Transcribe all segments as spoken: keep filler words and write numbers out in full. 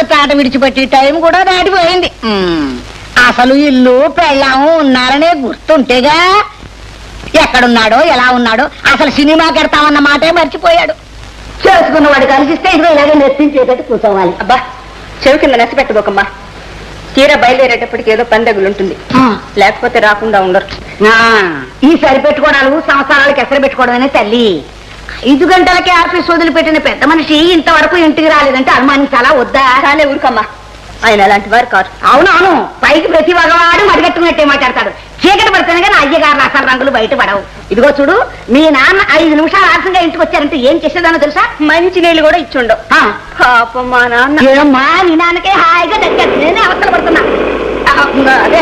చాట విడిచిపెట్టి టైం కూడా దాటిపోయింది. అసలు ఇల్లు పెళ్ళాము ఉన్నారనే గుర్తుంటేగా ఎక్కడున్నాడో ఎలా ఉన్నాడో అసలు సినిమా కడతామన్న మాటే మర్చిపోయాడు. చేసుకున్నవాడు కలిసిస్తే ఇదిగో ఇలాగే నెప్పించేటట్టు కూర్చోవాలి. అబ్బా చెవి కింద నెసపెట్టబోకమ్మా. తీరా బయలుదేరేటప్పటికి ఏదో పని తగులుంటుంది, లేకపోతే రాకుండా ఉండరు. ఈ సరిపెట్టుకోవడాలు సంవత్సరాలకి ఎసరు పెట్టుకోవడమనే తల్లి. ఐదు గంటలకే ఆఫీస్ వదిలిపెట్టిన పెద్ద మనిషి ఇంతవరకు ఇంటికి రాలేదంటే అనుమానించాలా వద్దా? చాలే ఊరుకమ్మా, ఆయన అలాంటి వారు కాదు. అవునవును, పైకి ప్రతి మగవాడు మడిగట్టుకున్నట్టే మాట్లాడతాడు. చీకటి పడితేనే కానీ అయ్యగారు అసలు రంగులు బయట పడవు. ఇదిగో చూడు, మీ నాన్న ఐదు నిమిషాలు ఆలస్యంగా ఇంటికి వచ్చారంటే ఏం చేసేదానో తెలుసా? మంచి నీళ్ళు కూడా ఇచ్చుండవు. పాపం మా నాన్న. ఏమమ్మా, నీ నాన్నకే హాయిగా దగ్గర నేనే అవసరం పడుతున్నా. అదే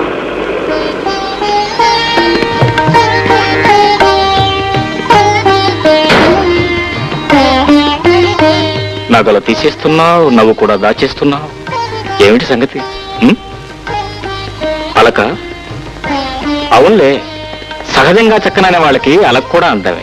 నగలు తీసేస్తున్నావు, నవ్వు కూడా దాచేస్తున్నావు, ఏమిటి సంగతి? అలక? అవునులే, సహజంగా చక్కననే వాళ్ళకి అలక కూడా అంతవే.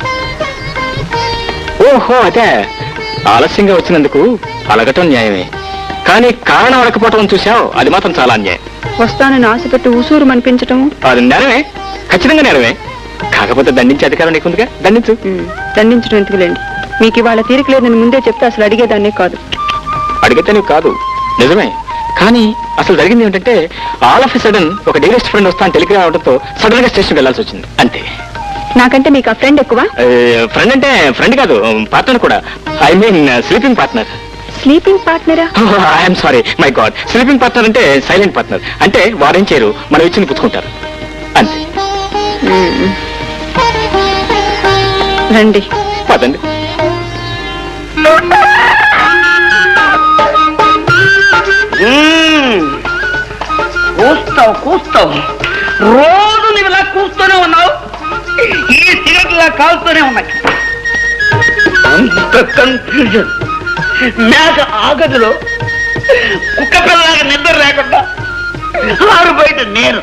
ఓహో, అదే ఆలస్యంగా వచ్చినందుకు అలగటం న్యాయమే, కానీ కారణం అడకపోవటం చూసావు, అది మాత్రం చాలా అన్యాయం. వస్తానని ఆశపెట్టి ఉసూరు అనిపించటం అది నేరమే, ఖచ్చితంగా నేరమే. కాకపోతే దండించే అధికారం నీకుందిగా, దండించు. దండించడం ఎందుకులేండి, మీకు ఇవాళ తీరిక లేదని ముందే చెప్తే అసలు అడిగేదాన్నే కాదు. అడిగితే నీకు కాదు, నిజమే. కానీ అసలు జరిగింది ఏంటంటే, ఆల్ ఆఫ్ ఎ సడన్ ఒక డేరెస్ట్ ఫ్రెండ్ వస్తాను టెలిగ్రామ్ అవడంతో సడన్ గా స్టేషన్కి వెళ్లాల్సి వచ్చింది, అంతే. నాకంటే మీకు ఆ ఫ్రెండ్ ఎక్కువ? ఫ్రెండ్ అంటే ఫ్రెండ్ కాదు, పార్ట్నర్ కూడా. I mean sleeping partner. Sleeping పార్ట్నరా? I'm sorry, my god. Sleeping partner అంటే సైలెంట్ పార్ట్నర్, అంటే వారేం చేయరు, మనం ఇచ్చింది పుచ్చుకుంటారు, అంతే. రండి, పదండి. కూస్తావు కూస్తావు రోజు నువ్వు ఇలా కూస్తూనే ఉన్నావు, ఈ సిగరెట్ ఇలా కాలుతూనే ఉన్నాయి. అంత కన్ఫ్యూజన్. మేక ఆ గదిలో కుక్క పిల్లలాగా నిద్ర లేకుండా ఆరు బయట నేను.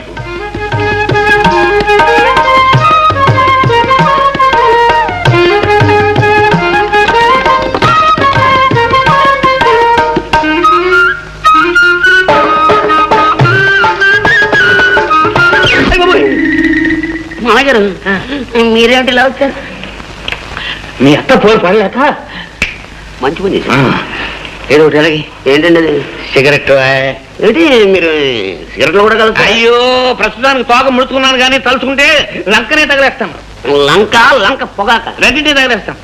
మామగారు, మీరేమిటి ఇలా వచ్చారు? మీ అత్త పోయి పడలేక మంచి పని చేశారు. ఏదో ఒకటి అలాగే. ఏంటండి అది? సిగరెట్. ఏంటి మీరు సిగరెట్లు కూడా కలుగుతారు? అయ్యో, ప్రస్తుతానికి తోక ముడుచుకున్నాను కానీ తలుచుకుంటే లంకనే తగలేస్తాను. లంక లంక పొగాక రెండింటి తగలేస్తాం.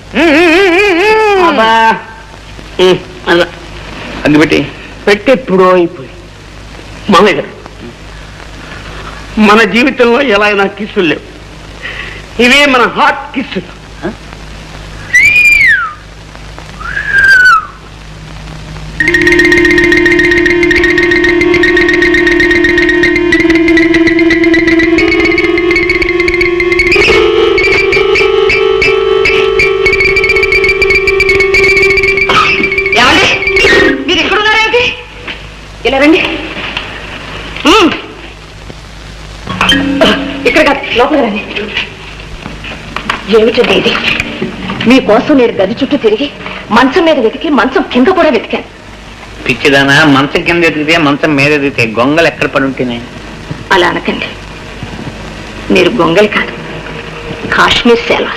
అగ్గి పెట్టి పెట్టి ఎప్పుడో అయిపోయి. మామయ్య గారు, మన జీవితంలో ఎలా అయినా కిస్సులు లేవు, ఇవే మన హాట్ కిస్సులు. ఏమండి, మీరు ఎక్కడున్నారేంటి? ఇలా రండి. ఇక్కడ కాదు, లోపల రండి. ఏమిటండి ఇది? మీకోసం నేను గది చుట్టూ తిరిగి మంచం మీద వెతికి మంచం కింద కూడా వెతికాను. పిచ్చిదానా, మంచం కింద ఎదిగితే మంచం మీద ఎదిగితే గొంగలు ఎక్కడ పడి ఉంటున్నాయి? అలా అనకండి, మీరు గొంగలి కాదు, కాశ్మీర్ సేవ.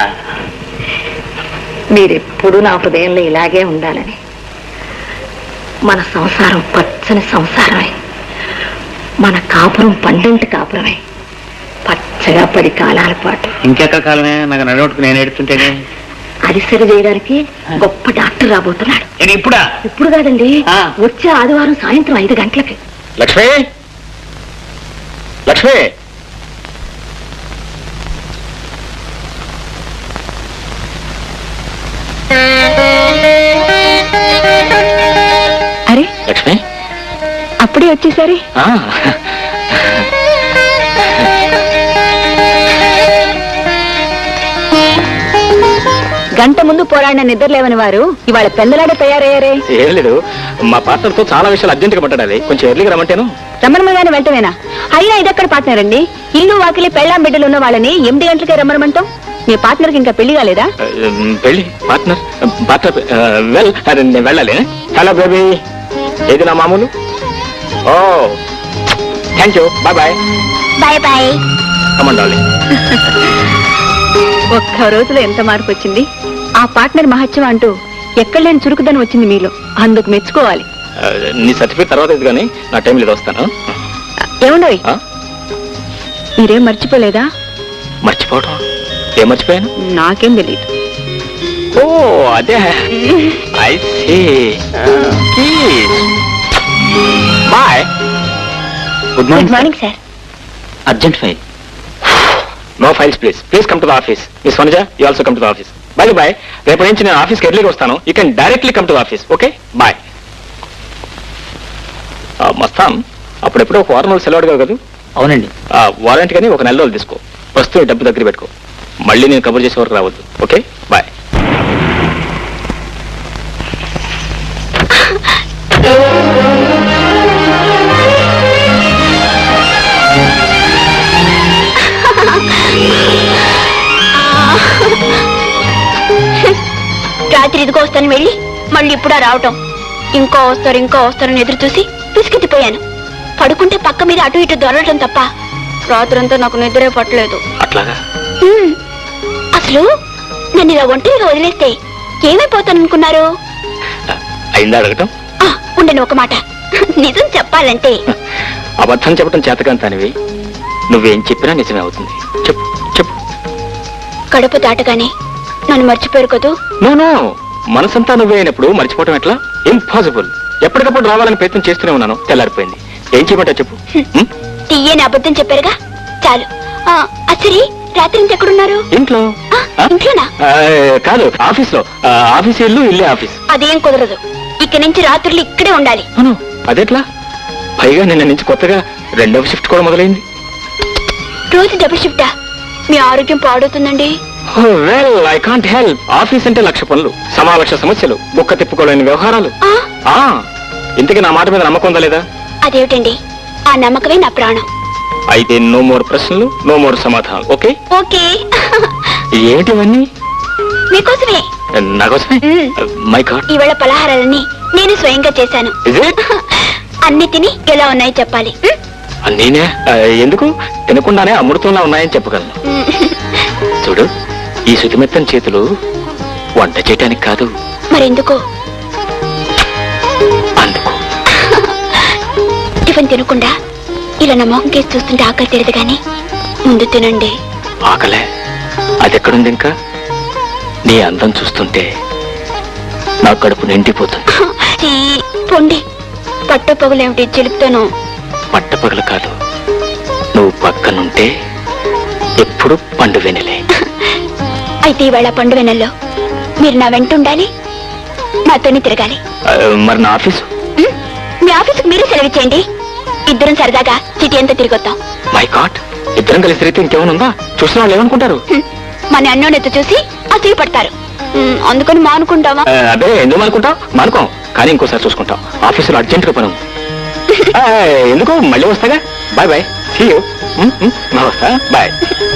మీరెప్పుడు నా హృదయంలో ఇలాగే ఉండాలని, మన సంసారం పచ్చని సంసారమే, మన కాపురం పండంటి కాపురమే, పచ్చగా పది కాలాల పాటు. ఇంకెక్కడ కాలమే? నాకు నడవట్టుకు నేను ఎడుతుంటేనే. అది సరి చేయడానికి గొప్ప డాక్టర్ రాబోతున్నాడు. ఇప్పుడా? ఇప్పుడు కాదండి, వచ్చే ఆదివారం సాయంత్రం ఐదు గంటలకి. లక్ష్మి, లక్ష్మి, అరే లక్ష్మి, అప్పుడే వచ్చేసరి. గంట ముందు పోరాడిన నిద్ర లేవని వారు ఇవాళ పెందలాడే తయారయ్యారే. ఏం లేదు, మా పార్ట్నర్ తో చాలా విషయాలు అర్జెంట్ గా పట్టాలి, కొంచెం ఎర్లీగా రమ్మంటేను. రమ్మనమగానే వెంటనేనా? అయినా ఇదెక్కడ పార్ట్నర్ అండి? ఇల్లు వాకిలి పెళ్ళాం బిడ్డలు ఉన్న వాళ్ళని ఎనిమిది గంటలకే రమ్మనమంటాం. మీ పార్ట్నర్ కి ఇంకా పెళ్లి కాలేదా? పెళ్లి పార్ట్నర్ పార్ట్నర్ వెల్, నేను వెళ్ళాలి. హలో బేబీ, ఏది నా మామూలు? Oh thank you, bye bye. Bye bye. కమండాలి. ఒక్క రోజులో ఎంత మార్పు వచ్చింది. ఆ పార్ట్నర్ మహత్యం అంటూ ఎక్కడ లేని చురుకుదనం వచ్చింది మీలో. అందుకు మెచ్చుకోవాలి. నీ సర్టిఫికేట్ తర్వాత ఇది కానీ నా టైం లేదు, వస్తాను. ఏముండవి, ఆ? మీరేం మర్చిపోలేదా? మర్చిపోవటం? ఏం మర్చిపోయాను? నాకేం తెలియదు. ఓ అదే, I see. Bye. Good good morning sir. Urgent file. No files please. Please come to the office. Miss Vanaja, you also come to the office. Bye bye. రేపు నుంచి నేను ఆఫీస్కి ఎర్లీగా వస్తాను. You can directly come to the office. Okay bye. Mastan, అప్పుడెప్పుడు ఒక వారం రోజులు సెలవు అడిగావు కదా? అవునండి. వారంటీ కానీ ఒక నెల రోజులు తీసుకో. ప్రస్తుతం డబ్బు దగ్గర పెట్టుకో. మళ్ళీ నేను కబర్ చేసే వరకు రావద్దు. Okay bye. రాత్రి ఇదిగో వస్తాను వెళ్ళి మళ్ళీ ఇప్పుడా రావటం. ఇంకో వస్తారు ఇంకో వస్తారని ఎదురు చూసి పిసికెత్తిపోయాను. పడుకుంటే పక్క మీద అటు ఇటు దొరలటం తప్ప రాత్రంతా నాకు నిద్రే పట్టలేదు. అట్లాగా? హ్మ్. అసలు నన్ను ఇలా ఒంటరిగా వదిలేస్తే ఏమైపోతాననుకున్నారు? అయిందా అడగటం? ఆ, ఉండను ఒక మాట. నిజం చెప్పాలంటే అబద్ధం చెప్పడం చేతకాంతానివి. నువ్వేం చెప్పినా నిజమే అవుతుంది. చెప్పు చెప్పు. గడప దాటగానే నన్ను మర్చిపోయారు కదూ. నో నో, మనసంతా నువ్వే అయినప్పుడు మర్చిపోవటం ఎట్లా? ఇంపాసిబుల్. ఎప్పటికప్పుడు రావాలని ప్రయత్నం చేస్తూనే ఉన్నాను. తెల్లారిపోయింది. ఏం చేయమంటా చెప్పు. హ్మ్? తీయని అబద్ధం చెప్పారుగా, చాలు. ఆ, అసలు రాత్రి ఇంత ఎక్కడున్నారు? ఇంట్లో. ఆ, ఆ? ఇంట్లోనా? ఆ, కాదు, ఆఫీస్ లో. ఆఫీస్ ఇల్లు ఇల్లే ఆఫీస్. అదేం కుదరదు. ఇక్కడి నుంచి రాత్రులు ఇక్కడే ఉండాలి. అవును, అదెట్లా? పైగా నిన్న నుంచి కొత్తగా రెండవ షిఫ్ట్ కూడా మొదలైంది. రోజు డబుల్ షిఫ్టా? మీ ఆరోగ్యం పాడవుతుందండి. Well, I can't help. Office అంటే లక్ష పనులు, సమావేశ సమస్యలు, బుక్క తిప్పుకోలేని వ్యవహారాలు. ఆ, ఆ ఇంతకీ నా మాట మీద నమ్మకం ఉందా లేదా? అదేమిటండి, ఆ నమ్మకమే నా ప్రాణం. అయితే నో మోర్ ప్రశ్నలు, నో మోర్ సమాధానం. ఓకే? ఓకే. ఏంటివన్నీ? మీకోసమే. నాకోసమే? మ్మ్. My god. ఈవేళ పలహారాలన్నీ నేను స్వయంగా చేశాను. Is it? అన్ని తిని ఎలా ఉన్నాయో చెప్పాలి. మ్? నేనే ఆ, ఎందుకు తినకుండానే అమృతంలా ఉన్నాయని చెప్పగలను. చూడు, ఈ శుతిమెత్తని చేతులు వంట చేయటానికి కాదు. మరెందుకు? అందుకు. టిఫిన్ తినకుండా ఇలా నా మొహం కేసి చూస్తుంటే ఆకలి తెలియదు కానీ ముందు తినండి. ఆకలే? అదెక్కడుంది ఇంకా? నీ అందం చూస్తుంటే నా కడుపు నిండిపోతుంది. చీ, పొండి. పట్టు పగులేమిటి చిలుపుతాను. పట్టపగలు కాదు, నువ్వు పక్కనుంటే ఎప్పుడు పండు వెనలే. అయితే ఈవేళ పండు వెన్నెల్లో మీరు నా వెంట ఉండాలి, నాతోనే తిరగాలి. ఆ, మరి నా ఆఫీసు? మ్? మీ ఆఫీసుకు మీరే సెలవిచ్చేయండి. ఇద్దరం సరదాగా సిటీ అంతా తిరిగొద్దాం. మై గాడ్, ఇద్దరం కలిసి తిరిగితే ఇంకేమైనా ఉందా? చూసిన వాళ్ళు ఏమనుకుంటారు? హ్మ్. మన అన్నోనెత్తు చూసి అసూయ పడతారు. మ్, అందుకని మానుకుంటావా? ఆ, అదే, ఎందుకు అనుకుంటాం? మానుకోం, కానీ ఇంకోసారి చూసుకుంటాం. ఆఫీసులో అర్జెంటుగా పని ఉంది. ఆ, ఎందుకు, మళ్ళీ వస్తాగా. Bye bye. See you. నా వస్తా. బాయ్.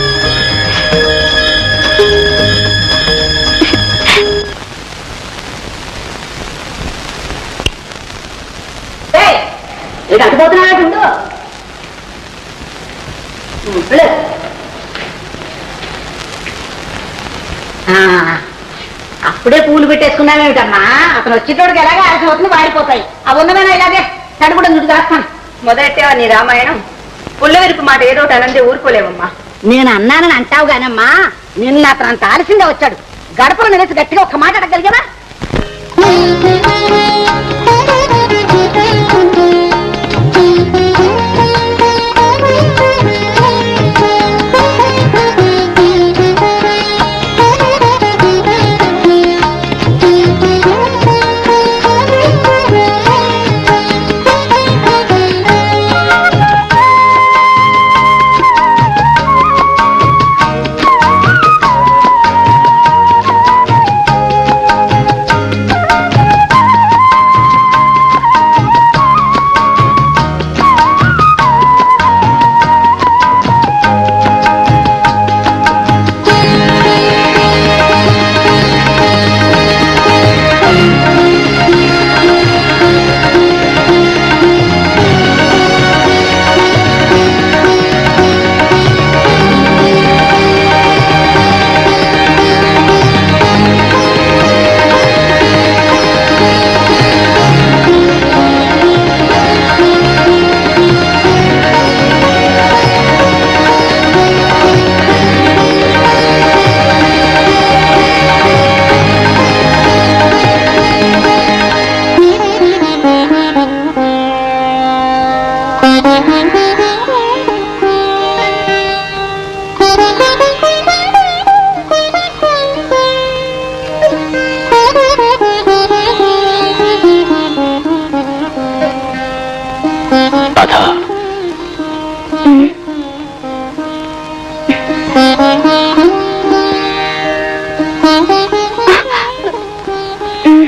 అప్పుడే పూలు పెట్టేసుకున్నావేమిటమ్మా? అతను వచ్చేటోడికి ఎలాగే ఆలస్యం అవుతుంది, వాడిపోతాయి. అవి ఉన్నవేనా ఇలాగే తడుగుడ చుట్టు దాస్తాను. మొదలెట్టేవా నీ రామాయణం? పుల్లవెరుపు మాట ఏదో ఒకటి అనందే ఊరుకోలేవమ్మా. నేను అన్నానని అంటావు గానమ్మా, నిన్న అతను అంత ఆలస్యంగా వచ్చాడు. గడపలు నిలిచి గట్టిగా ఒక్క మాట అడగలిగావా?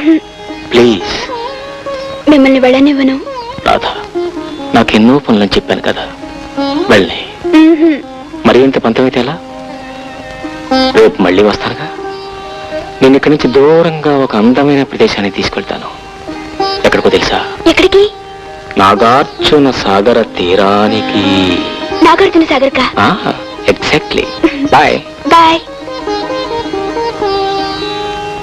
ప్లీజ్ మిమ్మల్ని వెళ్ళనివ్వను. రాధా, నాకు ఎన్నో పనులని చెప్పాను కదా, వెళ్ళి మరి ఇంత పంతమైతే ఎలా? రేపు మళ్ళీ వస్తానుగా. నేను ఇక్కడి నుంచి దూరంగా ఒక అందమైన ప్రదేశానికి తీసుకెళ్తాను. ఎక్కడికో తెలుసా? ఎక్కడికి? నాగార్జున సాగర తీరానికి. నాగార్జున సాగర్ కా? ఎగ్జాక్ట్లీ. Bye bye.